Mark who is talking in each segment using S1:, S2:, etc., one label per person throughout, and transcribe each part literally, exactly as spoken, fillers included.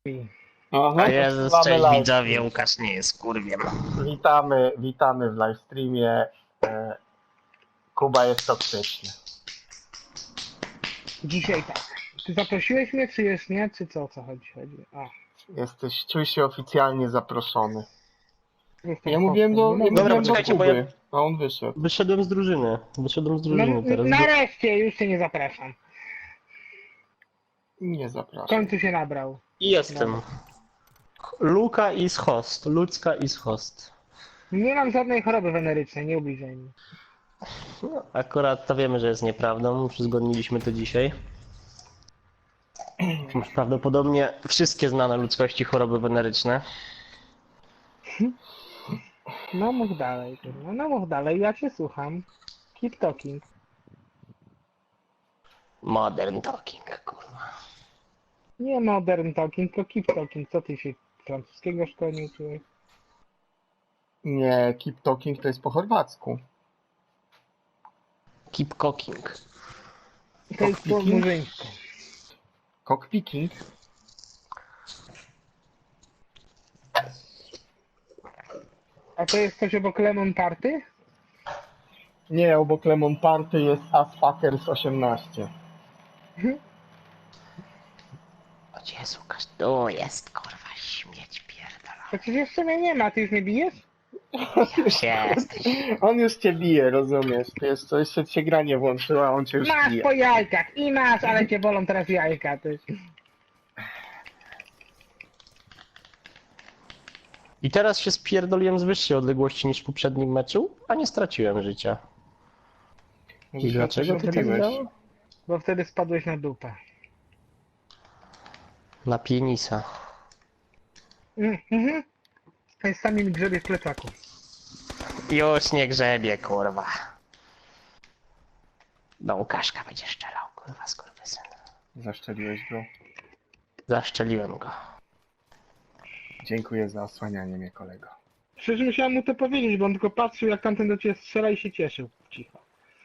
S1: Aha,
S2: Jezus,
S1: mamy
S2: cześć
S1: live
S2: widzowie,
S1: stream.
S2: Łukasz nie jest kurwiem.
S1: Witamy, witamy w livestreamie. E, Kuba jest toksyczny.
S3: Dzisiaj tak. Ty zaprosiłeś mnie, czy jest nie? Czy co, o co chodzi? chodzi? A,
S1: Jesteś, czuj się oficjalnie zaproszony.
S3: jestem
S1: Ja mówiłem do,
S3: hostem,
S1: ja
S3: no,
S1: mówiłem do
S2: poczekajcie, bo
S1: Kuby,
S2: ja-
S1: a on wyszedł.
S2: Wyszedłem z drużyny, wyszedłem z
S3: no,
S2: drużyny teraz.
S3: nareszcie, już cię nie zapraszam.
S1: Nie
S3: W
S1: zapraszam.
S3: końcu się nabrał.
S2: I jestem. Luka is host, ludzka is host.
S3: Nie mam żadnej choroby wenerycznej, nie ubliżaj mi.
S2: No, akurat to wiemy, że jest nieprawdą, uzgodniliśmy to dzisiaj. Masz prawdopodobnie wszystkie znane ludzkości choroby weneryczne.
S3: No mów dalej, kurwa. No mów dalej, ja cię słucham. Keep talking.
S2: Modern talking, kurwa.
S3: Nie modern talking, tylko keep talking. Co ty się francuskiego szkoły nie uczyłeś?
S1: Nie, keep talking to jest po chorwacku.
S2: Keep cooking.
S3: To jest po
S1: Cockpicking?
S3: murzyńsku.
S1: Cockpicking?
S3: A to jest coś obok Lemon Party?
S1: Nie, obok Lemon Party jest Asfuckers osiemnaście.
S2: O Jezu, Łukasz, tu jest kurwa śmieć pierdolona.
S3: Przecież jeszcze mnie nie ma, ty już mnie bijesz?
S2: Już jesteś.
S1: On już cię bije, rozumiesz? Ty jeszcze, jeszcze cię gra nie włączyła, on cię już
S3: Masz
S1: bije.
S3: po jajkach i masz, ale cię bolą teraz jajka, ty.
S2: I teraz się spierdoliłem z wyższej odległości niż w poprzednim meczu, a nie straciłem życia. I dlaczego ty tak
S1: zrobiłeś?
S2: grało?
S3: Bo wtedy spadłeś na dupę.
S2: Na pienisa.
S3: Mm, Mhm. Jest sami mi grzebie w plecaku.
S2: Już nie grzebie, kurwa. Do Łukaszka będzie szczelał, kurwa, skurwysyn.
S1: Zaszczeliłeś go.
S2: Zaszczeliłem go.
S1: Dziękuję za osłanianie mnie, kolego.
S3: Przecież musiałem mu to powiedzieć, bo on tylko patrzył, jak tamten do ciebie strzela i się cieszył. Cicho.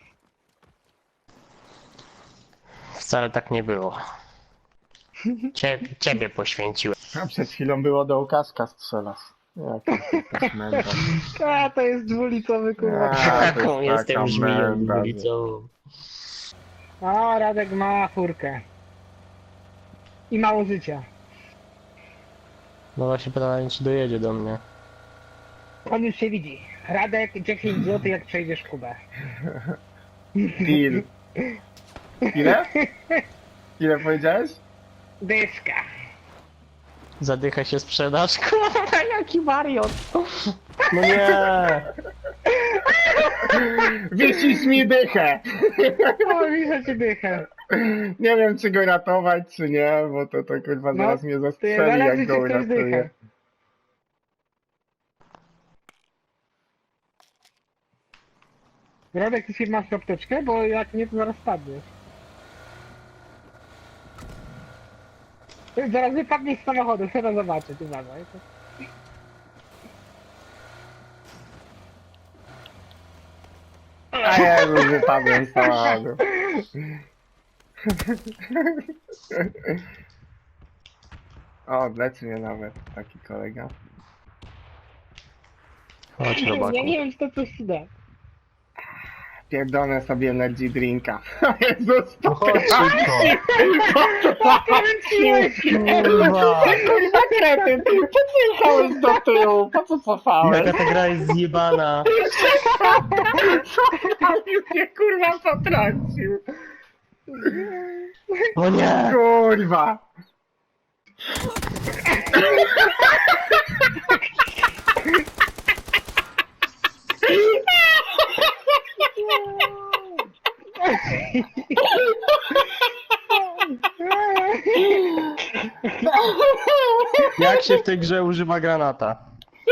S2: Wcale tak nie było. Cie, ciebie poświęciłem.
S1: A przed chwilą było do Łukaszka strzelasz. Jak to jest męda.
S3: A, to jest dwulicowy kurwa.
S1: A, to
S2: Taką
S1: jest
S2: jestem
S1: taka
S2: żmiją
S1: męda.
S2: ulicową.
S3: A, Radek ma furkę. I mało życia.
S2: No właśnie pytanie, czy dojedzie do mnie.
S3: On już się widzi. Radek, dziesięć złotych jak przejdziesz Kubę.
S1: Deal. Ile? Ile powiedziałeś?
S3: Dyszka.
S2: Zadycha się sprzedaż. Kurwa, jaki wariot. No nie.
S1: Wisisz mi dychę!
S3: O, widzę ci dychę.
S1: Nie wiem, czy go ratować, czy nie, bo to, to kurwa
S3: No,
S1: zaraz mnie
S3: Ty
S1: zastrzeli,
S3: zależy
S1: jak
S3: ci
S1: go
S3: ktoś dychę.
S1: uratuje.
S3: Radek, ty się masz apteczkę? Bo jak nie, to zaraz padniesz. Ty zaraz wypadniesz z samochodu, chcę to zobaczyć, uważaj.
S1: A ja już wypadłem z samochodu. O, leczy mnie nawet taki kolega.
S2: Chodź,
S3: Ja
S2: robaku.
S3: nie wiem, czy to coś ci da.
S1: Pierdolę sobie energy drinka. Jezus,
S2: No chodź szybko.
S3: Kręciłeś się!
S2: Kurwa.
S1: kurwa kretyn, po co jechałeś do tyłu? Po co cofałeś?
S2: Jaka ta gra jest zjebana.
S1: Cofałeś mnie kurwa potrącił.
S2: O nie.
S1: Kurwa.
S2: Jak się w tej grze używa granata?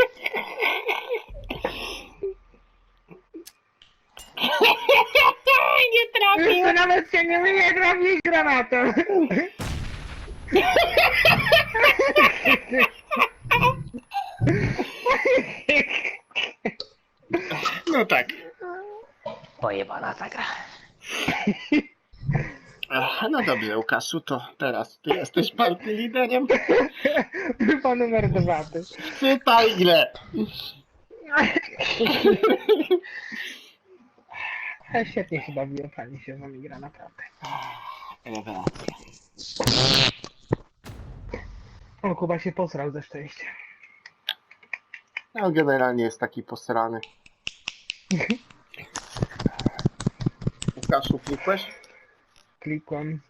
S1: Nie
S3: Jeszcze nawet się nie umie trafić granatem.
S1: No tak.
S2: Pojebana ta gra.
S1: Ach, no dobrze, Łukaszu, to teraz ty jesteś partii liderem.
S3: Chyba numer dwa, ty.
S1: Czytaj ile.
S3: Ale świetnie się bawiłem, fajnie się z nami gra, naprawdę.
S1: Rewelacja.
S3: O, Kuba się posrał ze szczęścia.
S1: No generalnie jest taki posrany. Łukaszu, klikłeś?
S3: Klikłem.